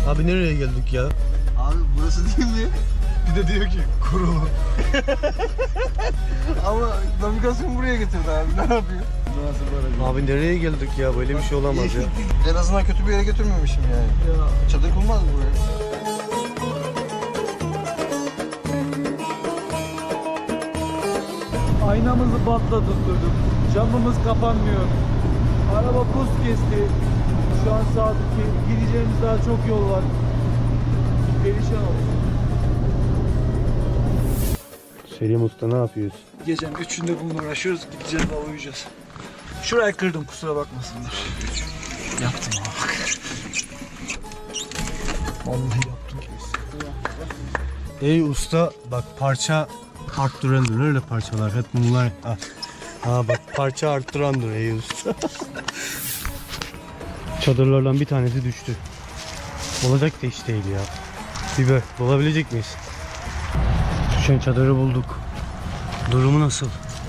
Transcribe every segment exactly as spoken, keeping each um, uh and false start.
Abi nereye geldik ya? Abi burası değil mi? Bir de diyor ki kurulu. Ama navigasyon buraya getirdi abi. Ne yapıyor? Abi nereye geldik ya? Böyle bir şey olamaz ya. En azından kötü bir yere götürmemişim yani. Ya. Çadır kurmaz mı buraya? Aynamızı patlatıldık. Camımız kapanmıyor. Araba buz kesti. Şu an saat iki. Gideceğimiz daha çok yol var. Perişan olduk. Selim Usta ne yapıyorsun? Gecenin üçünde bununla uğraşıyoruz. Gideceğiz daha uyuyacağız. Şurayı kırdım, kusura bakmasınlar. Yaptım ama bak. Vallahi yaptım gibi hissediyorum. Ey usta bak parça arttırandır öyle parçalar hep bunlar. Ha, ha bak parça arttırandır ey usta. Çadırlardan bir tanesi düştü. Olacak da iş değil ya. Biber bulabilecek miyiz? Düşen çadırı bulduk. Durumu nasıl?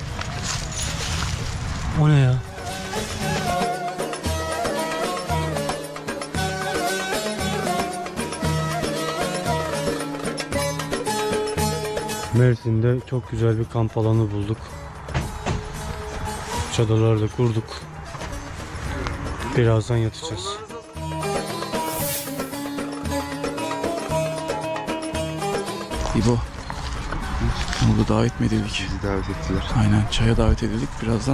O ne ya? Mersin'de çok güzel bir kamp alanı bulduk. Çadırları da kurduk. Birazdan yatacağız. İbo. Bunu da davet mi edildik? Bizi davet ettiler. Aynen, çaya davet edildik birazdan.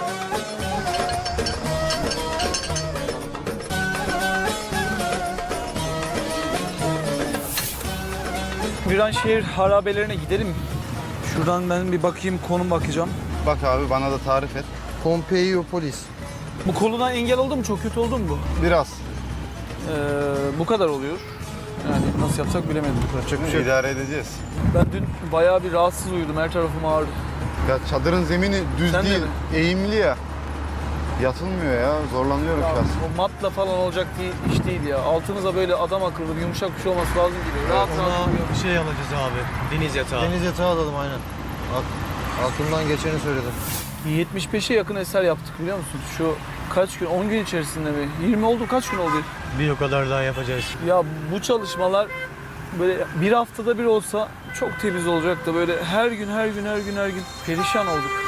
Viranşehir harabelerine gidelim. Şuradan ben bir bakayım, konum bakacağım. Bak abi bana da tarif et. Pompeiyopolis. Bu koluna engel oldu mu? Çok kötü oldu mu bu? Biraz. Ee, bu kadar oluyor. Yani nasıl yapsak bilemedim. Yapacak bir şey yok. İdare edeceğiz. Ben dün bayağı bir rahatsız uyudum. Her tarafım ağrıdı. Ya çadırın zemini düz Sen de değil, mi? eğimli ya. Yatılmıyor ya, zorlanıyorum Ya, şu an. o matla falan olacak bir iş değil ya. Altınıza böyle adam akıllı bir yumuşak bir şey olması lazım gibi. Rahat rahat uyuyor. bir şey alacağız abi. Deniz yatağı. Deniz yatağı alalım aynen. Aklımdan geçeni söyledim. yetmiş beşe yakın eser yaptık biliyor musun? Şu kaç gün, on gün içerisinde mi? yirmi oldu, kaç gün oldu? Bir o kadar daha yapacağız. Ya bu çalışmalar böyle bir haftada bir olsa çok temiz olacak da böyle her gün her gün her gün her gün perişan olduk.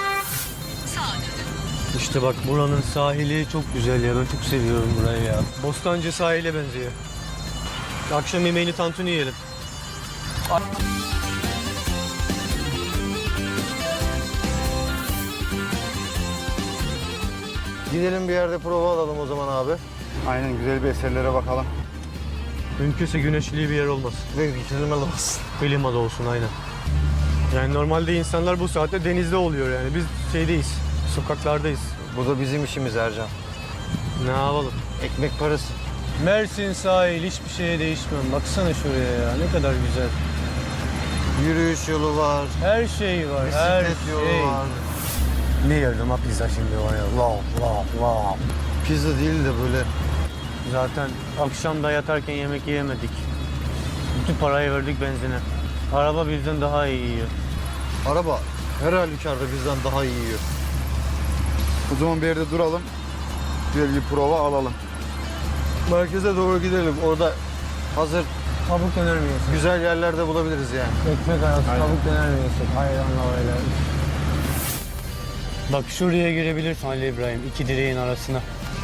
İşte bak buranın sahili çok güzel ya. Ben çok seviyorum burayı ya. Bostancı sahile benziyor. Akşam yemeğini tantuni yiyelim. Gidelim bir yerde prova alalım o zaman abi. Aynen, güzel bir eserlere bakalım. Mümkünse güneşli bir yer olmasın. Ve klimalı olsun. Klimalı olsun aynen. Yani normalde insanlar bu saatte denizde oluyor yani. Biz şeydeyiz, sokaklardayız. Bu da bizim işimiz Ercan. Ne yapalım? Ekmek parası. Mersin sahil hiçbir şeye değişmem. Baksana şuraya ya ne kadar güzel. Yürüyüş yolu var. Her şey var, her Bisiklet yolu şey. var. Ne yerdim ha pizza şimdi var ya. Wow, wow, wow. Pizza değil de böyle Zaten akşam da yatarken yemek yiyemedik. Bütün parayı verdik benzine. Araba bizden daha iyi yiyor. araba her halükarda bizden daha iyi yiyor. O zaman bir yerde duralım. Güzel bir prova alalım. Merkeze doğru gidelim. Orada hazır Tavuk döner mi yesek? güzel yerlerde bulabiliriz yani. Ekmek arası tavuk döner mi yesek? Hayranla öyle. Bak şuraya girebilirsin Ali İbrahim, iki direğin arasına.